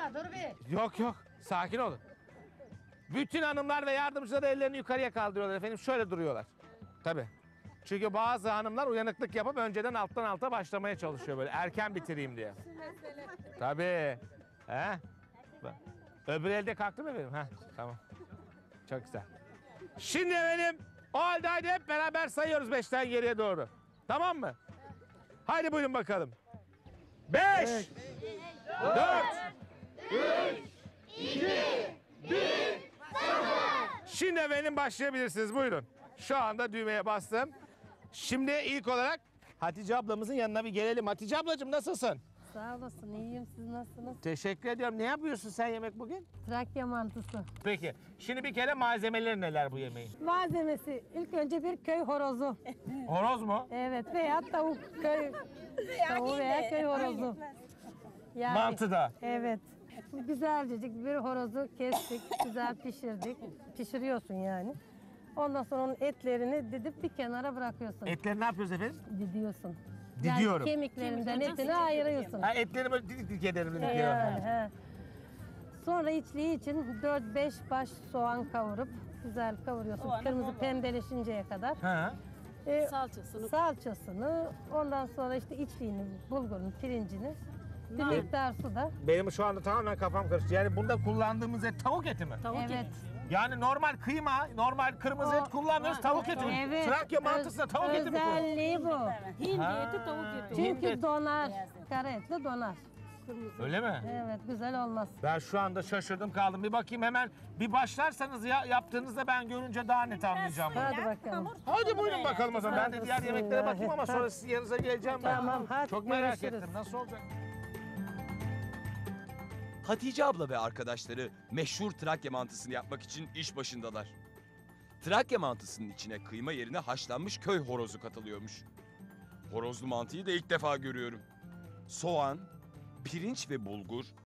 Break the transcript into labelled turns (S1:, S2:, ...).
S1: Yapma dur bir.
S2: Yok yok, sakin olun. Bütün hanımlar ve yardımcılar ellerini yukarıya kaldırıyorlar efendim. Şöyle duruyorlar. Tabii. Çünkü bazı hanımlar uyanıklık yapıp önceden alttan alta başlamaya çalışıyor böyle. Erken bitireyim diye. Tabii. He? Bak. Öbür elde kalktı mı efendim? Heh, tamam. Çok güzel. Şimdi efendim o halde haydi hep beraber sayıyoruz 5'ten geriye doğru. Tamam mı? Haydi buyurun bakalım. 5, 4, 3, 2, 1, Şimdi efendim başlayabilirsiniz. Buyurun. Şu anda düğmeye bastım. Şimdi ilk olarak Hatice ablamızın yanına bir gelelim. Hatice ablacığım nasılsın?
S3: Sağ olasın, iyiyim. Siz nasılsınız?
S2: Teşekkür ediyorum. Ne yapıyorsun sen yemek bugün?
S3: Trakya mantısı.
S2: Peki. Şimdi bir kere malzemeleri neler bu yemeğin?
S3: Malzemesi ilk önce bir köy horozu.
S2: Horoz mu?
S3: Evet veya tavuk köy tavuğu veya köy horozu. Yani,
S2: Mantıda.
S3: Evet. Güzelcecik bir horozu kestik, güzel pişirdik. Pişiriyorsun yani. Ondan sonra onun etlerini didip bir kenara bırakıyorsun.
S2: Etleri ne yapıyoruz efendim?
S3: Didiyorsun.
S2: Didiyorum.
S3: Yani kemiklerinden etini ayırıyorsun.
S2: Ha, etleri böyle didik didik ederim.
S3: Yani, he. Sonra içliği için 4-5 baş soğan kavurup güzel kavuruyorsun. Kırmızı pembeleşinceye kadar.
S2: Ha.
S3: Salçasını, ondan sonra işte içliğini, bulgurunu, pirincini, bir miktar su da.
S2: Benim şu anda tamamen kafam karıştı. Yani bunda kullandığımız et tavuk eti mi?
S3: Evet.
S2: Yani normal kıyma, normal kırmızı et kullanmıyoruz, tavuk eti mi?
S3: Evet.
S2: Trakya mantısında tavuk eti mi kullanıyoruz?
S3: Özelliği bu.
S4: Hindi eti, tavuk eti.
S3: Çünkü donar. Kara etli donar.
S2: Öyle mi?
S3: Evet, güzel olmaz.
S2: Ben şu anda şaşırdım kaldım. Bir bakayım hemen bir başlarsanız ya yaptığınızda ben görünce daha net anlayacağım bunu.
S3: Hadi bakalım.
S2: Hadi buyurun bakalım o zaman. Ben de diğer yemeklere bakayım ama sonra sizin yanınıza geleceğim ben.
S3: Tamam, hadi
S2: Çok merak
S3: görüşürüz.
S2: ettim. Nasıl olacak?
S5: Hatice abla ve arkadaşları meşhur Trakya mantısını yapmak için iş başındalar. Trakya mantısının içine kıyma yerine haşlanmış köy horozu katılıyormuş. Horozlu mantıyı da ilk defa görüyorum. Soğan, pirinç ve bulgur